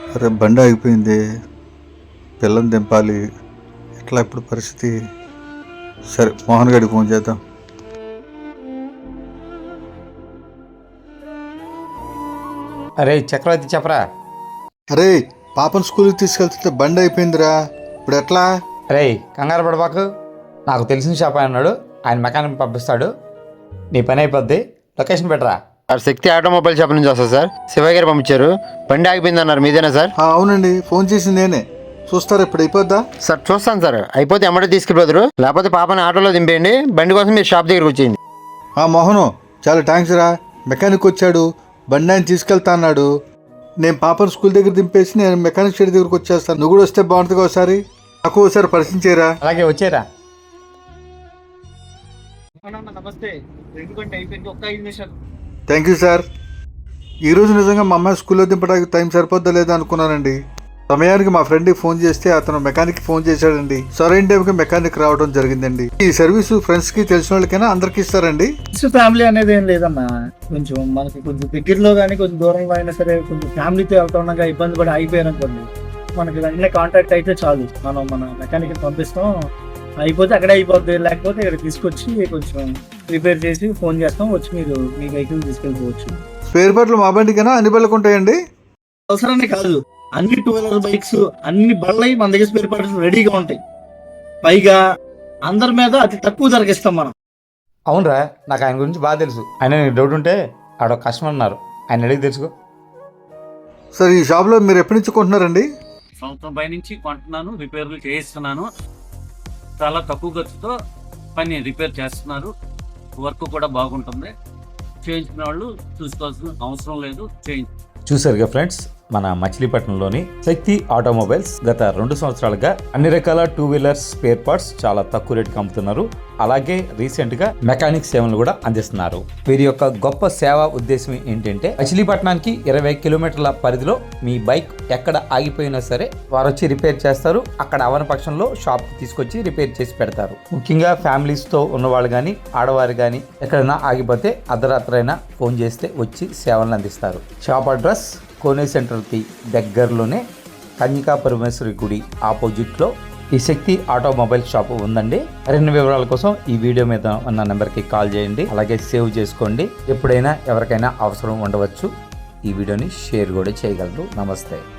అరే బండి ఆగిపోయింది, పిల్లని దింపాలి, ఎట్లా ఇప్పుడు పరిస్థితి? సరే మోహన్ గారికి ఫోన్ చేద్దాం. అరే చక్రవర్తి చెప్పరా. అరే పాపను స్కూల్కి తీసుకెళ్తుంటే బండి అయిపోయిందిరా, ఇప్పుడు ఎట్లా? అరే కంగారు పడబాకు, నాకు తెలిసిన షాప్ ఆయన ఉన్నాడు, ఆయన మెకానిక్ పంపిస్తాడు, నీ పని అయిపోద్ది. లొకేషన్ పెట్టరా. సార్ శక్తి ఆటోమొబైల్ షాప్ నుంచి వస్తా సార్. శివయ్య గారు పంపించారు. బండి ఆగిపోయింది అన్నారు, మీదేనా సార్? అవునండి, ఫోన్ చేసి నేనే. చూస్తారా ఇప్పుడు అయిపోద్దా? సార్ చూస్తాను సార్, అయిపోతే ఎమ్మడే తీసుకెళ్ళిపోతారు, లేకపోతే పాపని ఆటోలో దింపేయండి, బండి కోసం మీరు షాప్ దగ్గరికి వచ్చేయండి. మోహను చాలా థ్యాంక్స్ రా, మెకానిక్ వచ్చాడు, బండి ఆయన తీసుకెళ్తా అన్నాడు. నేను పాపను స్కూల్ దగ్గర దింపేసి నేను మెకానిక్ షెడ్ దగ్గరకు వచ్చేస్తాను. నువ్వు కూడా వస్తే బాగుంటుంది. ఒకసారి నాకు ఒకసారి పరిచయం చేయరా. అలాగే వచ్చేరా. నమస్తే. అయిపోయింది, ఒక్క 5 నిమిషాలు. Thank you sir. ఈరోజు నిజంగా మా అమ్మాయి స్కూల్లో దింపడానికి టైం సరిపోద్దా లేదా అనుకున్నానండి. సమయానికి మా ఫ్రెండ్కి ఫోన్ చేస్తే అతను మెకానిక్ ఫోన్ చేశాడండి. సరైన టైంకి మెకానిక్ రావడం జరిగిందండి. ఈ సర్వీసు ఫ్రెండ్స్ కి తెలిసిన వాళ్ళకైనా అందరికి ఇస్తారండి. ఫ్యామిలీ అనేది ఏం లేదమ్మా, కొంచెం మనకి కొంచెం దగ్గరలో కానీ కొంచెం దూరంలో అయినా సరే కొంచెం ఫ్యామిలీతో వెళ్తుండగా ఇబ్బంది పడి అయిపోయారనుకోండి, మనకి వెంటనే కాంటాక్ట్ అయితే చాలు, మనం మన మెకానిక్ పంపిస్తాం, అయిపోతే అక్కడే అయిపోద్ది, లేకపోతే ఇక్కడ తీసుకొచ్చి కొంచెం రిపేర్ చేసి ఫోన్ చేస్తాం, వచ్చి మీరు మీ వెహికల్ తీసుకెళ్ళిపోవచ్చు. స్పేర్ పార్ట్లు మా బండికైనా అన్ని బళ్ళకు ఉంటాయండి? అవసరాన్ని కాదు, అన్ని 2 వీలర్ బైక్స్ అన్ని బళ్ళవి మన దగ్గర స్పేర్ పార్ట్స్ రెడీగా ఉంటాయి. పైగా అందరి మీద అతి తక్కువ ధరకి ఇస్తాం మనం. అవునరా, నాకు ఆయన గురించి బాగా తెలుసు. ఆయన నీకు డౌట్ ఉంటే ఆడ కస్టమర్ ఉన్నారు, ఆయన అడిగి తెలుసుకో. సార్ ఈ షాప్లో మీరు ఎప్పటి నుంచి కొంటున్నారండి? సంవత్సరం పై నుంచి కొంటున్నాను, రిపేర్లు చేయిస్తున్నాను. చాలా తక్కువ ఖర్చుతో పని రిపేర్ చేస్తున్నారు, వర్క్ కూడా బాగుంటుంది. చేయించిన వాళ్ళు చూసుకోవాల్సిన అవసరం లేదు, చూసారుగా ఫ్రెండ్స్, మన మచిలీపట్నంలోని శక్తి ఆటోమొబైల్స్ గత 2 సంవత్సరాలుగా అన్ని రకాల 2 వీలర్స్ స్పేర్ పార్ట్స్ చాలా తక్కువ రేటుకి అమ్ముతున్నారు. అలాగే రీసెంట్ గా మెకానిక్ సేవలు కూడా అందిస్తున్నారు. వీరి యొక్క గొప్ప సేవా ఉద్దేశం ఏంటంటే మచిలీపట్నానికి 20 కిలోమీటర్ల పరిధిలో మీ బైక్ ఎక్కడ ఆగిపోయినా సరే వారు వచ్చి రిపేర్ చేస్తారు. అక్కడ అవన పక్షంలో షాప్ కి తీసుకొచ్చి రిపేర్ చేసి పెడతారు. ముఖ్యంగా ఫ్యామిలీస్ తో ఉన్నవాళ్ళు కానీ ఆడవారు కానీ ఎక్కడైనా ఆగిపోతే అర్ధరాత్రైనా ఫోన్ చేస్తే వచ్చి సేవలను అందిస్తారు. షాప్ అడ్రస్ కోనే సెంటర్కి దగ్గరలోనే కన్యకా పరమేశ్వరి గుడి ఆపోజిట్లో ఈ శక్తి ఆటోమొబైల్ షాప్ ఉందండి. మరిన్ని వివరాల కోసం ఈ వీడియో మీద ఉన్న నెంబర్కి కాల్ చేయండి, అలాగే సేవ్ చేసుకోండి. ఎప్పుడైనా ఎవరికైనా అవసరం ఉండవచ్చు. ఈ వీడియోని షేర్ కూడా చేయగలరు. నమస్తే.